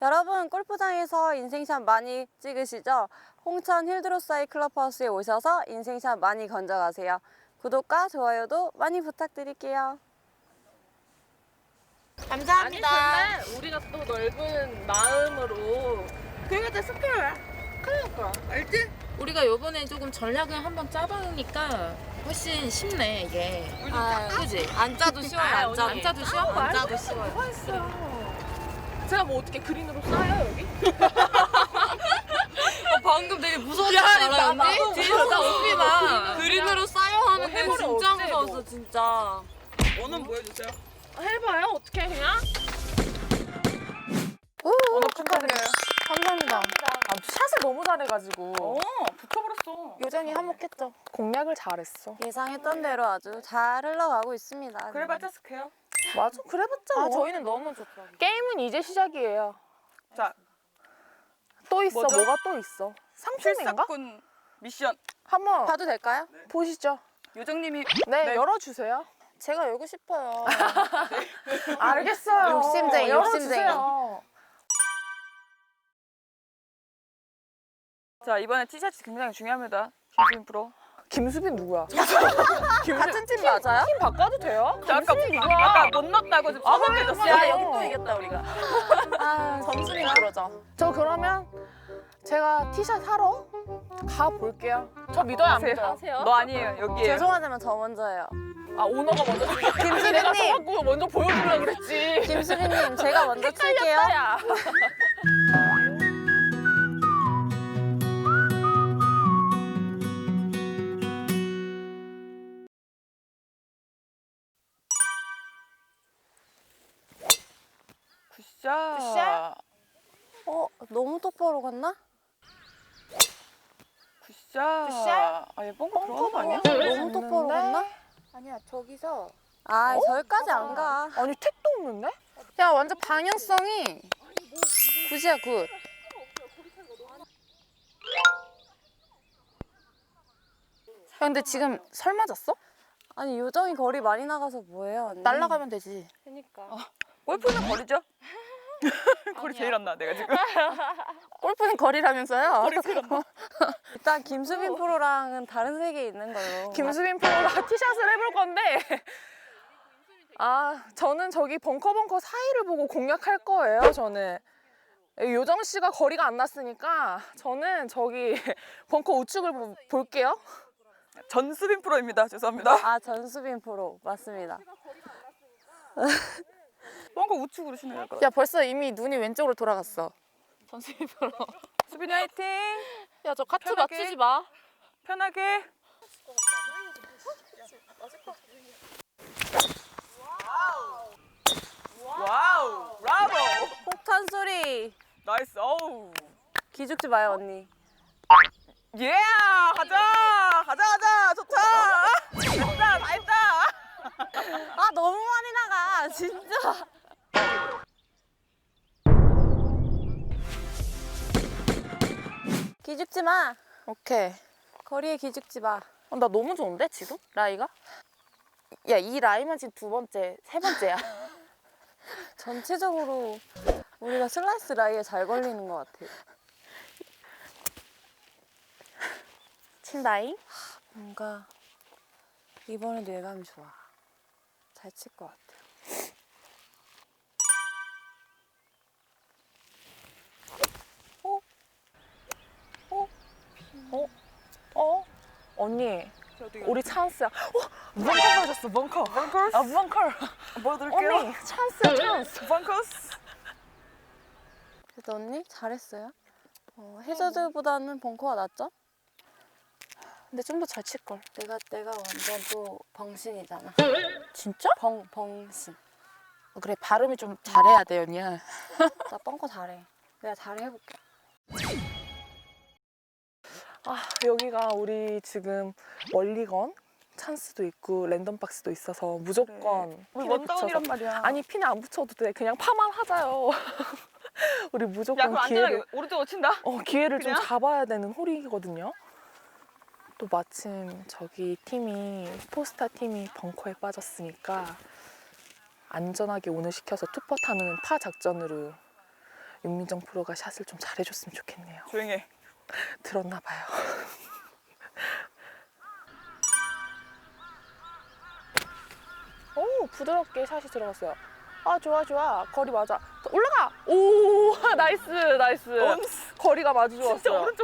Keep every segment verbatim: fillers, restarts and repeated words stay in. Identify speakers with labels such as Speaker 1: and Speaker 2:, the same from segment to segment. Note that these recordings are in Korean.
Speaker 1: 여러분 골프장에서 인생샷 많이 찍으시죠? 홍천 힐드로사이 클럽하우스에 오셔서 인생샷 많이 건져가세요. 구독과 좋아요도 많이 부탁드릴게요. 감사합니다.
Speaker 2: 아니 근데 우리가 또 넓은 마음으로 그거한테 스페어야. 그러니까 알지?
Speaker 3: 우리가 요번에 조금 전략을 한번 짜보니까 훨씬 쉽네 이게.
Speaker 1: 아,
Speaker 3: 그지?
Speaker 1: 안 짜도 쉬워요.
Speaker 3: 아,
Speaker 1: 안 짜도.
Speaker 3: 안 짜도 쉬워?
Speaker 1: 안
Speaker 3: 안
Speaker 1: 짜도 쉬워요.
Speaker 2: 했어. 제가 뭐 어떻게 그린으로 쌓여 여기?
Speaker 3: 방금 되게 무서웠지 않아요 언니? 뒤에서 나 웃기다. 그린으로 쌓여 하는데
Speaker 2: 해버려,
Speaker 3: 진짜
Speaker 2: 어째,
Speaker 3: 무서웠어
Speaker 2: 뭐.
Speaker 3: 진짜.
Speaker 2: 원은 보여주세요. 해봐요. 어떻게 그냥?
Speaker 1: 오늘
Speaker 2: 축하드려요.
Speaker 1: 감사합니다.
Speaker 4: 아, 샷을 너무 잘해가지고
Speaker 2: 어, 붙여버렸어.
Speaker 4: 요정이 한몫했죠. 공략을 잘했어.
Speaker 1: 예상했던 대로 아주 잘 흘러가고 있습니다.
Speaker 2: 그래봤자 스퀘어.
Speaker 4: 맞아, 그래봤자
Speaker 3: 아
Speaker 4: 뭐.
Speaker 3: 저희는 너무 좋다.
Speaker 4: 게임은 이제 시작이에요.
Speaker 2: 자,
Speaker 4: 또 있어,
Speaker 2: 뭐죠?
Speaker 4: 뭐가 또 있어. 상품인가?
Speaker 2: 필사꾼 미션.
Speaker 4: 한번
Speaker 1: 봐도 될까요?
Speaker 4: 보시죠.
Speaker 2: 요정님이
Speaker 4: 네,
Speaker 2: 네.
Speaker 4: 열어주세요.
Speaker 1: 제가 열고 싶어요.
Speaker 4: 알겠어요.
Speaker 1: 욕심쟁이,
Speaker 4: 열어주세요.
Speaker 2: 자 이번에 티셔츠 굉장히 중요합니다. 김수빈 프로.
Speaker 4: 김수빈 누구야?
Speaker 1: 같은 팀 맞아요?
Speaker 4: 팀 바꿔도 돼요?
Speaker 2: 저 아까
Speaker 4: 김수빈 누구야?
Speaker 2: 아까 못 넣었다고 지금 서먹해졌어요.
Speaker 4: 야,
Speaker 2: 여기
Speaker 4: 여기 또
Speaker 2: 이겼다 우리가.
Speaker 1: 아,
Speaker 4: 점수빈 그러죠. 저 그러면 제가 티샷 사러 가볼게요. 저 믿어요, 안 믿어요?
Speaker 2: 너 아니에요 여기에요.
Speaker 1: 죄송하지만 저 먼저예요.
Speaker 4: 아, 오너가 먼저 주겠다. 내가 써갖고 먼저 보여주려고 그랬지.
Speaker 1: 김수빈님, 제가 먼저 칠게요.
Speaker 4: 야.
Speaker 2: 굿샷.
Speaker 4: 굿샷.
Speaker 1: 어, 너무 똑바로 갔나?
Speaker 2: 굿샷.
Speaker 4: 굿샷.
Speaker 2: 아얘 뻥뻥 들어간 거 아니야?
Speaker 1: 너무 똑바로 갔나?
Speaker 3: 아니야 저기서
Speaker 1: 아, 저기까지 안 가.
Speaker 4: 아니, 택도 없는데?
Speaker 1: 야, 완전 방향성이 굿이야, 굿.
Speaker 4: 야, 근데 지금 설 맞았어?
Speaker 1: 아니, 요정이 거리 많이 나가서 뭐예요, 언니?
Speaker 4: 날아가면 되지.
Speaker 3: 그러니까.
Speaker 2: 골프는 거리죠? 거리 제일 안 나, 내가 지금.
Speaker 4: 골프는 거리라면서요?
Speaker 1: 일단 김수빈 프로랑은 다른 세계에 있는 걸로.
Speaker 4: 김수빈 프로가 티샷을 해볼 건데 아, 저는 저기 벙커 벙커 사이를 보고 공략할 거예요, 저는. 요정 씨가 거리가 안 났으니까 저는 저기 벙커 우측을 보- 볼게요.
Speaker 2: 전수빈 프로입니다. 죄송합니다.
Speaker 1: 아, 전수빈 프로. 맞습니다.
Speaker 2: 뻥거 우측으로 치는 거.
Speaker 4: 야, 벌써 이미 눈이 왼쪽으로 돌아갔어.
Speaker 3: 전수빈 프로.
Speaker 2: 수빈이 화이팅!
Speaker 3: 야 저 카트
Speaker 2: 편하게.
Speaker 3: 맞추지 마.
Speaker 2: 편하게. 와우! 브라보!
Speaker 1: 폭탄 소리.
Speaker 2: 나이스. 어우.
Speaker 1: 기죽지 마요, 언니.
Speaker 2: 예! 가자! 가자, 가자! 좋다! 됐다! 다 했다!
Speaker 1: 아, 너무 많이 나가. 진짜. 기죽지 마.
Speaker 4: 오케이.
Speaker 1: 거리에 기죽지 마.
Speaker 4: 어, 나 너무 좋은데 지금? 라이가? 야, 이 라이만 지금 두 번째, 세 번째야.
Speaker 1: 전체적으로 우리가 슬라이스 라이에 잘 걸리는 것 같아요.
Speaker 4: 친다잉?
Speaker 1: 뭔가 이번에도 예감이 좋아. 잘 칠 것 같아요.
Speaker 4: 어? 언니, 우리 찬스야. 어? 벙커 가졌어, 벙커.
Speaker 2: 벙커스?
Speaker 4: 아, 벙커.
Speaker 2: 보여드릴게요.
Speaker 4: 언니, 찬스야, 찬스.
Speaker 2: 벙커스?
Speaker 1: 그래도 언니 잘했어요. 어, 해저드보다는 벙커가 낫죠?
Speaker 4: 근데 좀 더 잘 칠걸.
Speaker 1: 내가 내가 완전 또 벙신이잖아.
Speaker 4: 진짜?
Speaker 1: 벙 벙신.
Speaker 4: 어, 그래, 발음이 좀 잘해야 돼, 언니야.
Speaker 1: 나 벙커 잘해. 내가 잘해 해볼게.
Speaker 4: 아, 여기가 우리 지금 원리건 찬스도 있고 랜덤 박스도 있어서 무조건
Speaker 2: 우리
Speaker 4: 핀을
Speaker 2: 원다운이란
Speaker 4: 붙여서-
Speaker 2: 말이야.
Speaker 4: 아니, 핀을 안 붙여도 돼. 그냥 파만 하자요. 우리
Speaker 2: 야,
Speaker 4: 무조건
Speaker 2: 그럼 안
Speaker 4: 기회를
Speaker 2: 되나? 오른쪽으로 친다?
Speaker 4: 어, 기회를 좀
Speaker 2: 그냥?
Speaker 4: 잡아야 되는 홀이거든요. 또 마침 저기 팀이 포스타 팀이 벙커에 빠졌으니까 안전하게 오늘 시켜서 투퍼 타는 파 작전으로 윤민정 프로가 샷을 좀 잘해줬으면 좋겠네요.
Speaker 2: 조용해.
Speaker 4: 들었나 봐요. 오, 부드럽게 샷이 들어갔어요. 아, 좋아, 좋아. 거리 맞아. 올라가! 오, 나이스, 나이스. 거리가 맞아 좋았어요.
Speaker 2: 진짜 오른쪽.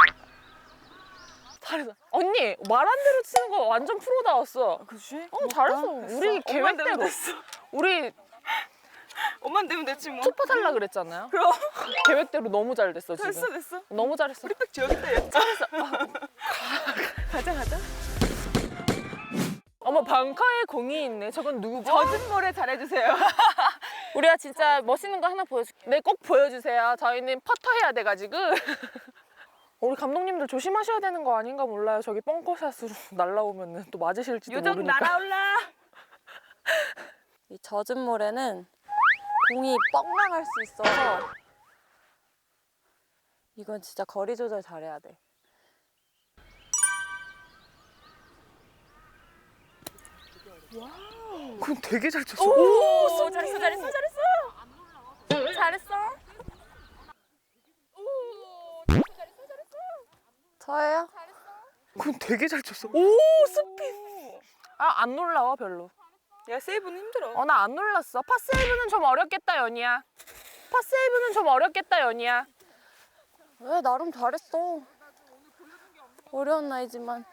Speaker 4: 잘했어. 언니, 말한 대로 치는 거 완전 프로다웠어.
Speaker 2: 그치?
Speaker 4: 어, 잘했어. 우리 계획대로.
Speaker 2: 됐어.
Speaker 4: 우리
Speaker 2: 엄만 되면 됐지 뭐.
Speaker 4: 투파 살라 그랬잖아요.
Speaker 2: 그럼.
Speaker 4: 계획대로 너무 잘 됐어, 지금.
Speaker 2: 됐어 됐어.
Speaker 4: 너무 잘했어.
Speaker 2: 우리 백 지역인데 얘. 잘했어. 가자 가자.
Speaker 4: 어머, 방카에 공이 있네. 저건 누구?
Speaker 2: 젖은 모래 잘해주세요.
Speaker 4: 우리가 진짜 멋있는 거 하나 보여줄게. 네, 꼭 보여주세요. 저희는 퍼터 해야 돼가지고. 우리 감독님들 조심하셔야 되는 거 아닌가 몰라요. 저기 뻥커샷으로 날라오면 또 맞으실지도
Speaker 2: 요정
Speaker 4: 모르니까.
Speaker 2: 날아올라.
Speaker 1: 이 젖은 모래는 공이 뻥 나갈 수 있어서 이건 진짜 거리 조절 잘해야 돼.
Speaker 4: 그럼 되게 잘 쳤어.
Speaker 2: 오, 잘했어 잘했어 잘했어.
Speaker 3: 잘했어.
Speaker 1: 저예요?
Speaker 4: 그럼 되게 잘 쳤어. 오, 스핀. 아, 안 놀라워, 별로.
Speaker 2: 야 세이브는 힘들어.
Speaker 4: 어, 나 안 놀랐어. 파세이브는 좀 어렵겠다, 연희야. 파세이브는 좀 어렵겠다, 연희야.
Speaker 1: 왜 나름 잘했어. 어려운 나이지만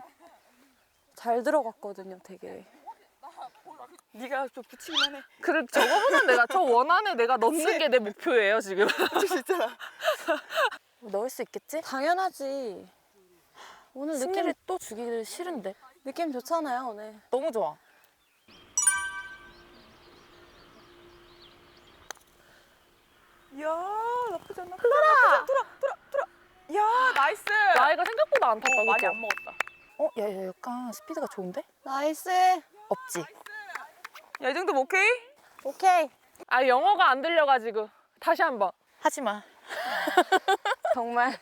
Speaker 1: 잘 들어갔거든요, 되게.
Speaker 2: 네가 좀 붙이기만 해.
Speaker 4: 그래, 저거보단 내가, 저 원안에 내가 넣는 게 내 목표예요, 지금.
Speaker 2: 붙일 수 있잖아.
Speaker 1: 넣을 수 있겠지? 당연하지. 오늘 느낌
Speaker 3: 승리를 또 주기를 싫은데.
Speaker 1: 느낌 좋잖아요, 오늘.
Speaker 3: 너무 좋아.
Speaker 2: 이야 나쁘지 않나? 흘러라. 돌아 돌아 돌아. 야 나이스.
Speaker 4: 나이가 생각보다 안 탔다,
Speaker 2: 어, 많이
Speaker 4: 그쵸?
Speaker 2: 안 먹었다.
Speaker 3: 어, 야, 야, 약간 스피드가 좋은데?
Speaker 1: 나이스.
Speaker 3: 없지?
Speaker 2: 야 이 정도면 오케이?
Speaker 1: 오케이.
Speaker 4: 아, 영어가 안 들려가지고. 다시 한 번.
Speaker 3: 하지 마.
Speaker 1: 정말.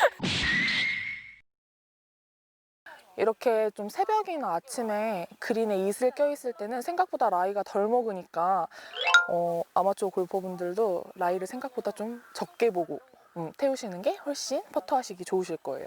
Speaker 4: 이렇게 좀 새벽이나 아침에 그린에 이슬 껴있을 때는 생각보다 라이가 덜 먹으니까 어, 아마추어 골퍼분들도 라이를 생각보다 좀 적게 보고 음, 태우시는 게 훨씬 퍼터하시기 좋으실 거예요.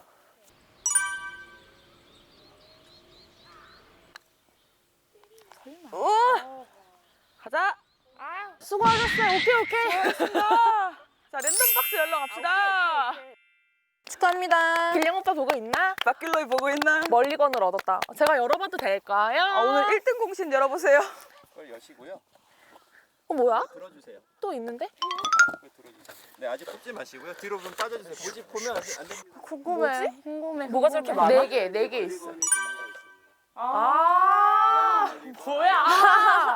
Speaker 2: 오. 가자.
Speaker 4: 수고하셨어요. 오케이, 오케이.
Speaker 2: 자 랜덤 박스 열러 갑시다.
Speaker 1: 축하합니다.
Speaker 4: 길령 오빠 보고 있나?
Speaker 2: 막길로이 보고 있나?
Speaker 4: 멀리건을 얻었다. 제가 열어봐도 될까요?
Speaker 2: 아, 오늘 일 등 공신 열어보세요.
Speaker 5: 그걸 여시고요.
Speaker 4: 어, 뭐야?
Speaker 5: 들어주세요.
Speaker 4: 또 있는데?
Speaker 5: 그걸 들어주세요. 네, 아직 뽑지 마시고요. 뒤로 좀 빠져주세요. 고집 보면 안 되니까.
Speaker 1: 궁금해. 궁금해.
Speaker 3: 뭐가 저렇게 많아?
Speaker 4: 네 개, 네 개 있어. 아, 뭐야?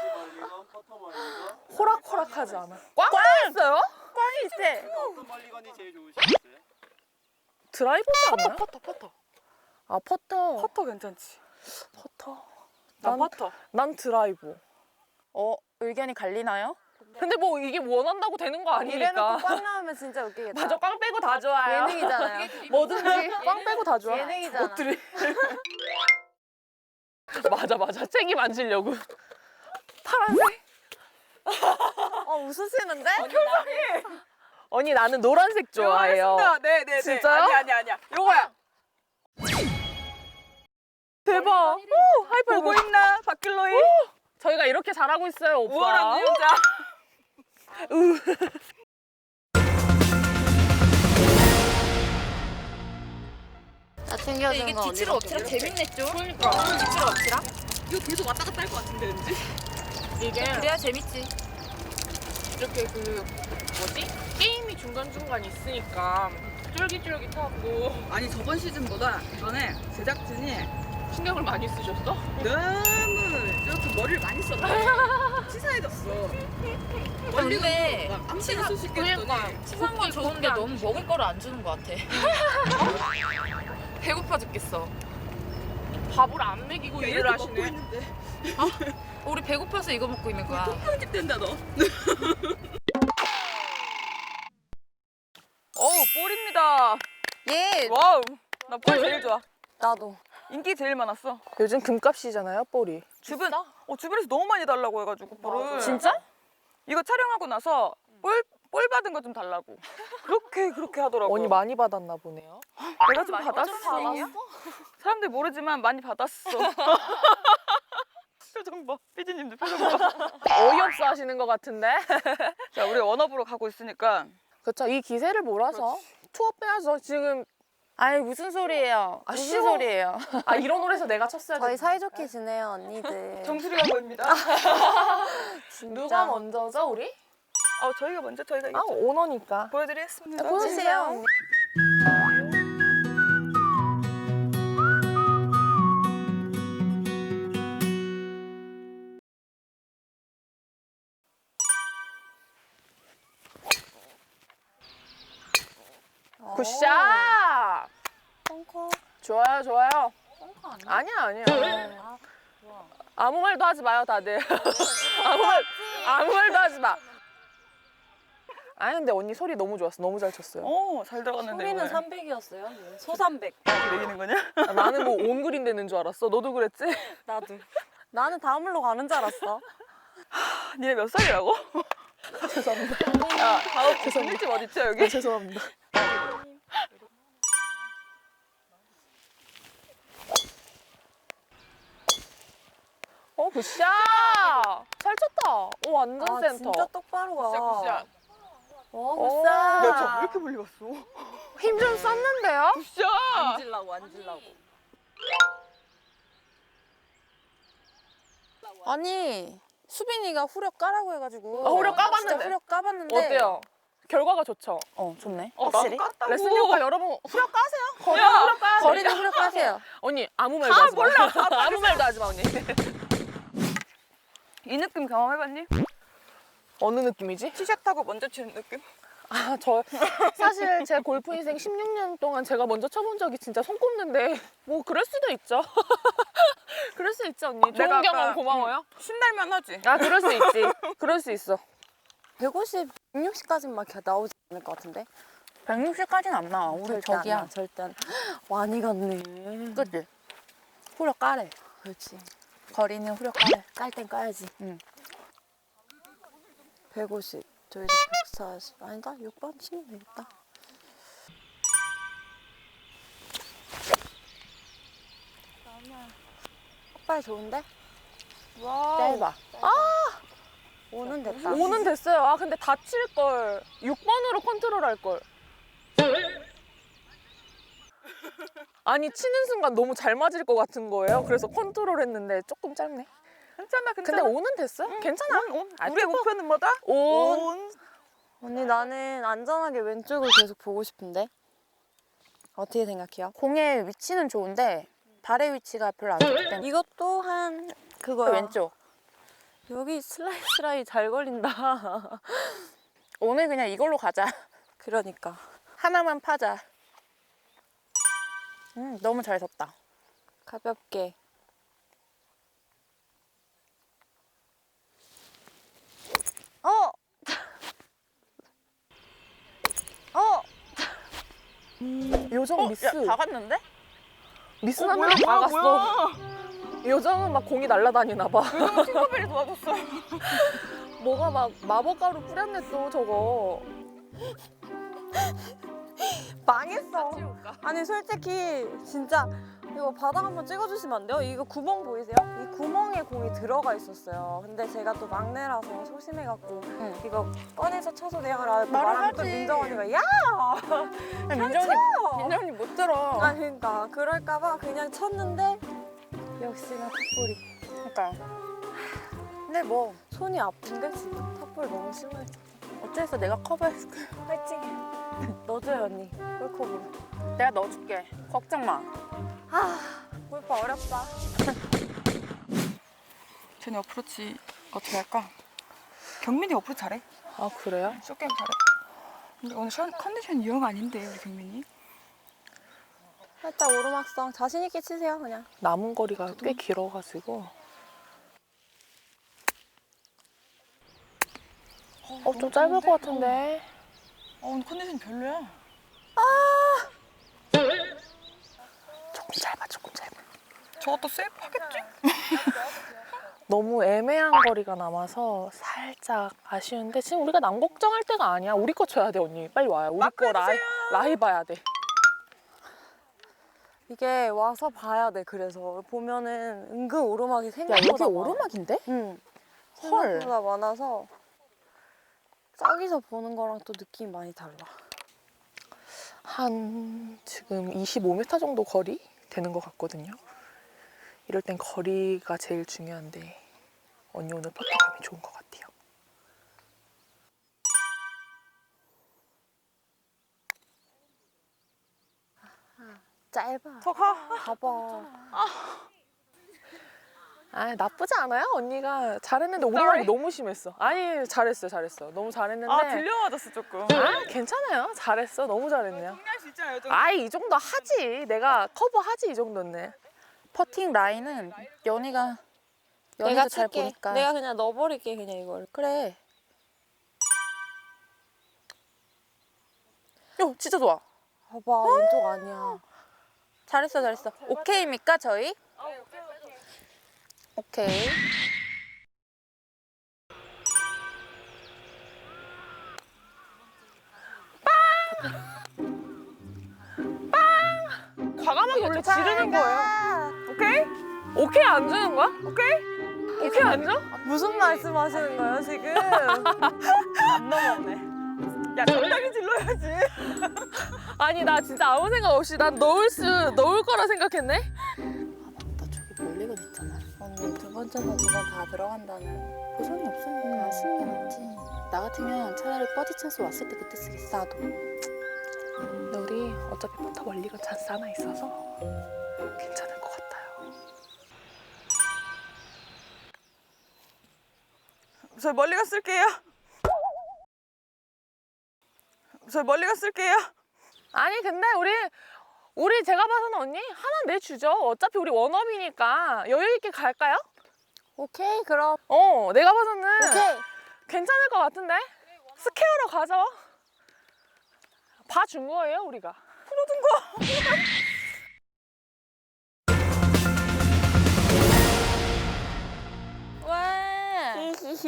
Speaker 4: 호락호락하지 않아. 꽝 있어요?
Speaker 3: 꽝이 있대.
Speaker 5: 어떤 멀리건이 제일 좋으시겠어요?
Speaker 4: 드라이버지 않나요?
Speaker 2: 퍼터 퍼터.
Speaker 4: 아, 퍼터.
Speaker 2: 퍼터 괜찮지?
Speaker 4: 퍼터.
Speaker 2: 나
Speaker 4: 난,
Speaker 2: 퍼터.
Speaker 4: 난 드라이버.
Speaker 3: 어, 의견이 갈리나요?
Speaker 4: 근데 뭐 이게 원한다고 되는 거 아니니까.
Speaker 1: 이래놓고 꽝 나오면 진짜 웃기겠다.
Speaker 4: 맞아, 꽝 빼고 다 좋아요.
Speaker 1: 예능이잖아요.
Speaker 4: 뭐든지 꽝 빼고 다 좋아.
Speaker 1: 예능이잖아.
Speaker 4: 저것들이. 맞아, 맞아. 책임 안 지려고. 파란색?
Speaker 1: 어, 웃으시는데?
Speaker 4: 언니, 나는 노란색 좋아해요.
Speaker 2: 네네네.
Speaker 4: 진짜요?
Speaker 2: 아니 아니 아니야. 요거야.
Speaker 4: 대박. 오, 하이파이브.
Speaker 2: 보고 있나? 박길로이.
Speaker 4: 저희가 이렇게 잘하고 있어요, 오빠.
Speaker 2: 우월한 유영자.
Speaker 1: 나 챙겨준
Speaker 3: 이게
Speaker 1: 거
Speaker 3: 뒤치를
Speaker 1: 언니밖에
Speaker 3: 엎치락
Speaker 1: 모르겠어.
Speaker 3: 재밌네 좀. 그러니까. 뒤치를 엎치락?
Speaker 2: 이거 계속 왔다 갔다 할 것 같은데 왠지?
Speaker 4: 이게
Speaker 3: 그래야 재밌지.
Speaker 4: 이렇게 그 뭐지? 게임이 중간중간 있으니까 쫄깃쫄깃하고
Speaker 2: 아니 저번 시즌보다 이번에 제작진이
Speaker 4: 신경을 많이 쓰셨어?
Speaker 2: 너무 이렇게 머리를 많이 썼네. 치사해졌어.
Speaker 3: 근데
Speaker 2: 막 암시가 수식게 했더니
Speaker 3: 치사한 건 좋은데 너무 먹을 거를 안 주는 것 같아. 배고파 죽겠어.
Speaker 4: 밥을 안 먹이고
Speaker 2: 야,
Speaker 4: 일을
Speaker 2: 이렇게 먹고
Speaker 4: 하시네.
Speaker 2: 있는데
Speaker 3: 우리 배고파서 이거 먹고 있는 거야.
Speaker 2: 편집 된다 너. 어우 볼입니다.
Speaker 1: 예.
Speaker 2: 와우 나 볼 제일 좋아.
Speaker 1: 나도.
Speaker 2: 인기 제일 많았어.
Speaker 4: 요즘 금값이잖아요, 볼이.
Speaker 2: 주변 어 주변에서 너무 많이 달라고 해가지고 볼을.
Speaker 3: 진짜?
Speaker 2: 이거 촬영하고 나서 볼
Speaker 3: 볼 받은 거 좀 달라고. 그렇게 그렇게 하더라고.
Speaker 4: 언니 많이 받았나 보네요.
Speaker 3: 내가 좀 받았어. 사람들 모르지만 많이 받았어. 표정 봐. 피디님도 표정 봐.
Speaker 4: 어이없어 하시는 것 같은데?
Speaker 3: 자, 우리 워너브로 가고 있으니까.
Speaker 4: 그쵸, 이 기세를 몰아서 투어 빼야죠. 지금
Speaker 3: 아니 무슨 소리예요?
Speaker 4: 아,
Speaker 3: 무슨
Speaker 4: 쉬워.
Speaker 3: 소리예요?
Speaker 4: 아 이런 노래에서 내가 쳤어야
Speaker 1: 저희
Speaker 4: 돼.
Speaker 1: 사이좋게 지내요, 언니들.
Speaker 3: 정수리가 보입니다.
Speaker 1: 진짜.
Speaker 4: 누가 먼저죠, 우리?
Speaker 3: 어, 저희가 먼저 저희가
Speaker 4: 아,
Speaker 3: 이겼죠.
Speaker 4: 오너니까.
Speaker 3: 보여드리겠습니다.
Speaker 1: 보여주세요, 언니.
Speaker 4: 굿샷!
Speaker 1: 펑커.
Speaker 4: 좋아요, 좋아요.
Speaker 1: 펑커 아니야?
Speaker 4: 아니야, 아니야.
Speaker 1: 아, 좋아.
Speaker 4: 아무 말도 하지 마요, 다들. 아무 말, 아무 말도 하지 마. 아니, 근데 언니 소리 너무 좋았어. 너무 잘 쳤어요.
Speaker 3: 오, 잘 들어갔는데.
Speaker 1: 소리는
Speaker 3: 오늘.
Speaker 1: 삼백이었어요. 소삼백.
Speaker 3: 이렇게 내기는 거냐?
Speaker 4: 아, 나는 뭐 온 그린 되는 줄 알았어. 너도 그랬지?
Speaker 1: 나도. 나는 다음 홀로 가는 줄 알았어.
Speaker 3: 니네 몇 살이라고?
Speaker 4: 죄송합니다.
Speaker 3: 야, 다음 주민집 어딨죠 여기?
Speaker 4: 아, 죄송합니다. 어, 굿샷! 잘 쳤다. 오, 완전
Speaker 1: 아,
Speaker 4: 센터.
Speaker 1: 진짜 똑바로 가.
Speaker 3: 굿샷, 굿샷.
Speaker 1: 와,
Speaker 4: 오.
Speaker 1: 굿샷.
Speaker 3: 야, 저왜 이렇게 멀리 갔어?
Speaker 4: 힘 좀 썼는데요?
Speaker 3: 굿샷!
Speaker 1: 앉으려고, 앉으려고. 아니, 수빈이가 후력 까라고 해가지고.
Speaker 4: 아, 후력 까봤는데.
Speaker 1: 진짜 후력 까봤는데.
Speaker 4: 어때요? 결과가 좋죠?
Speaker 1: 어, 좋네.
Speaker 3: 어,
Speaker 1: 확실히.
Speaker 3: 나도 깠다고.
Speaker 4: 레슨 효과 여러분 후력 까세요. 거리
Speaker 3: 야,
Speaker 4: 후력 까야 돼.
Speaker 1: 거리는 후력 까세요.
Speaker 4: 언니 아무 말도 하지 마. 몰라. 아무 말도 하지 마 언니.
Speaker 3: 이 느낌 경험해봤니?
Speaker 4: 어느 느낌이지?
Speaker 3: 티샷하고 먼저 치는 느낌?
Speaker 4: 아, 저 사실 제 골프 인생 십육 년 동안 제가 먼저 쳐본 적이 진짜 손꼽는데 뭐 그럴 수도 있죠. 그럴 수 있지 언니. 좋은
Speaker 3: 내가 아까-
Speaker 4: 경험 고마워요.
Speaker 3: 신날만 하지?
Speaker 4: 아, 그럴 수 있지. 그럴 수 있어.
Speaker 1: 백오십, 백육십까지는 막 나오지 않을 것 같은데?
Speaker 3: 백육십까지는 안 나와. 우리
Speaker 1: 절대 안 나, 절대 안 나. 많이 갔네.
Speaker 3: 그치?
Speaker 1: 후력 까래. 그렇지.
Speaker 3: 거리는 후력 까래.
Speaker 1: 깔 땐 까야지.
Speaker 3: 응.
Speaker 1: 백오십. 저희도 백사십. 아니다. 육 번 치면 되겠다. 헛발 좋은데?
Speaker 3: 와.
Speaker 1: 짧아. 오는 됐다.
Speaker 4: 오는 됐어요. 아, 근데 다칠 걸. 육 번으로 컨트롤 할 걸. 아니, 치는 순간 너무 잘 맞을 것 같은 거예요. 그래서 컨트롤 했는데 조금 짧네.
Speaker 3: 괜찮아,
Speaker 4: 근데
Speaker 3: 괜찮아.
Speaker 4: 오는 됐어요? 괜찮아.
Speaker 3: 온, 온.
Speaker 4: 아,
Speaker 3: 우리의 목표는 뭐다?
Speaker 4: 온.
Speaker 3: 온.
Speaker 1: 언니 나는 안전하게 왼쪽을 계속 보고 싶은데 어떻게 생각해요?
Speaker 3: 공의 위치는 좋은데 발의 위치가 별로 안 좋기 때문에
Speaker 1: 이것도 한 그거야.
Speaker 3: 왼쪽.
Speaker 1: 여기 슬라이 슬라이 잘 걸린다.
Speaker 3: 오늘 그냥 이걸로 가자.
Speaker 1: 그러니까
Speaker 3: 하나만 파자. 음, 너무 잘 섰다.
Speaker 1: 가볍게. 어. 어.
Speaker 4: 요정 미스.
Speaker 3: 야, 다 갔는데?
Speaker 4: 미스
Speaker 3: 어,
Speaker 4: 나면
Speaker 3: 뭐야, 뭐야,
Speaker 4: 나갔어.
Speaker 3: 뭐야.
Speaker 4: 요정은 막 공이 날아다니나 봐.
Speaker 3: 팅커벨이 도와줬어.
Speaker 4: 뭐가 막 마법가루 뿌렸네 또 저거.
Speaker 1: 망했어. 아니 솔직히 진짜 이거 바닥 한번 찍어주시면 안 돼요? 이거 구멍 보이세요? 이 구멍에 공이 들어가 있었어요. 근데 제가 또 막내라서 소심해갖고
Speaker 3: 응.
Speaker 1: 이거 꺼내서 쳐서 내가라
Speaker 3: 말을
Speaker 1: 말하면 또
Speaker 3: 하지.
Speaker 1: 민정 언니가 야!
Speaker 3: 민정이 민정이 못 들어.
Speaker 1: 아 그러니까 그럴까봐 그냥 쳤는데 역시나 탑볼이.
Speaker 3: 그러니까. 근데 뭐
Speaker 1: 손이 아픈데 지금 탑볼 너무 심해.
Speaker 3: 어째서 내가 커버해줄게.
Speaker 1: 화이팅! 넣어줘요 언니. 홀컵으로.
Speaker 3: 내가 넣어줄게. 걱정 마.
Speaker 1: 아 골프 어렵다.
Speaker 3: 쟤네 어프로치 어떻게 할까? 경민이 어프로치 잘해.
Speaker 4: 아, 그래요?
Speaker 3: 쇼게임 잘해. 근데 오늘 션, 컨디션 영 아닌데 우리 경민이?
Speaker 1: 살짝 오르막성 자신 있게 치세요 그냥.
Speaker 4: 남은 거리가 꽤 길어가지고. 어, 좀 짧을 것 같은데.
Speaker 3: 어 오늘 컨디션 별로야.
Speaker 4: 조금 짧아, 조금 짧아.
Speaker 3: 저것도 세이프 하겠지?
Speaker 4: 너무 애매한 거리가 남아서 살짝 아쉬운데 지금 우리가 남 걱정할 때가 아니야. 우리 거 쳐야 돼 언니. 빨리 와요. 우리 거 라이, 라이 봐야 돼.
Speaker 1: 이게 와서 봐야 돼. 그래서 보면은 은근 오르막이
Speaker 4: 야
Speaker 1: 생각보다
Speaker 4: 여기
Speaker 1: 많아.
Speaker 4: 오르막인데?
Speaker 1: 응.
Speaker 4: 헐.
Speaker 1: 생각보다 많아서 저기서 보는 거랑 또 느낌이 많이 달라.
Speaker 4: 한 지금 이십오 미터 정도 거리 되는 것 같거든요. 이럴 땐 거리가 제일 중요한데 언니 오늘 퍼터감이 좋은 것 같아요.
Speaker 1: 짧아.
Speaker 2: 더 가.
Speaker 1: 봐봐.
Speaker 4: 아 나쁘지 않아요. 언니가 잘했는데 오르막이 너무 심했어. 아니 잘했어 잘했어. 너무 잘했는데
Speaker 2: 아 들려 맞았어 조금.
Speaker 4: 아, 괜찮아요. 잘했어. 너무 잘했네요.
Speaker 2: 할 수 있잖아요. 좀.
Speaker 4: 아이 이 정도 하지. 내가 커버하지 이 정도는.
Speaker 6: 퍼팅 라인은 연희가
Speaker 1: 내가
Speaker 6: 연희도 잘
Speaker 1: 칠게.
Speaker 6: 보니까
Speaker 1: 내가 그냥 넣어버릴게 그냥 이걸.
Speaker 6: 그래.
Speaker 4: 요 진짜 좋아.
Speaker 1: 봐봐 왼쪽 아니야.
Speaker 6: 잘했어 잘했어. 오케이입니까 저희? 오케이.
Speaker 4: 과감하게 원래 지르는 거예요. 오케이? 오케이 안 주는 거야? 오케이? 오케이 안 줘?
Speaker 1: 무슨 말씀하시는 거예요 지금?
Speaker 2: 안 넘어오네. 야 적당히 질러야지.
Speaker 4: 아니 나 진짜 아무 생각 없이 난 넣을 수 넣을 거라 생각했네.
Speaker 6: 나 저기 멀리가 됐잖아.
Speaker 1: 언니 두 번째나 두 번 다 들어간다는.
Speaker 6: 보상이 없으니까 쓰는 게 낫지. 나 같으면 차라리 버디 찬스 왔을 때 그때 쓰겠어. 나도.
Speaker 4: 근데 우리 어차피 포터 멀리가 찬스 하나 있어서 괜찮을 것 같아요.
Speaker 2: 저 멀리 가 쓸게요. 저 멀리 가 쓸게요.
Speaker 4: 아니 근데 우리 우리 제가 봐서는 언니 하나 내주죠. 어차피 우리 원업이니까 여유 있게 갈까요?
Speaker 1: 오케이 그럼.
Speaker 4: 어 내가 봐서는
Speaker 1: 오케이.
Speaker 4: 괜찮을 것 같은데 스퀘어로 가죠. 봐준 거예요 우리가.
Speaker 6: 왜?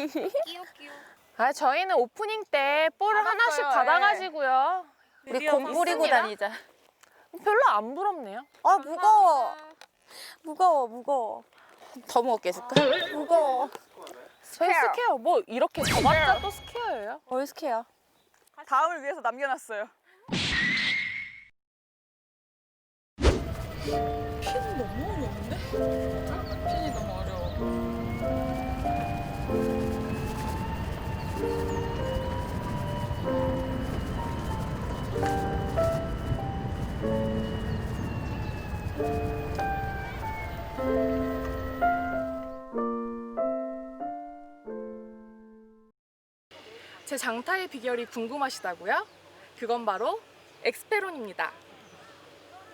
Speaker 4: 아 저희는 오프닝 때 볼을 하나씩 받아가지고요.
Speaker 6: 우리 공 뿌리고
Speaker 4: 있습니다.
Speaker 6: 다니자.
Speaker 4: 별로 안 부럽네요.
Speaker 1: 아 무거워. 무거워 무거워.
Speaker 6: 더 무겁게 해줄까?
Speaker 1: 무거워.
Speaker 4: 저희 스퀘어 뭐 이렇게 접었자 또 스퀘어예요.
Speaker 1: 얼스케야.
Speaker 2: 다음을 위해서 남겨놨어요.
Speaker 4: 핀 너무 어려운데? 핀이 너무 어려워. 제 장타의 비결이 궁금하시다고요? 그건 바로 엑스페론입니다.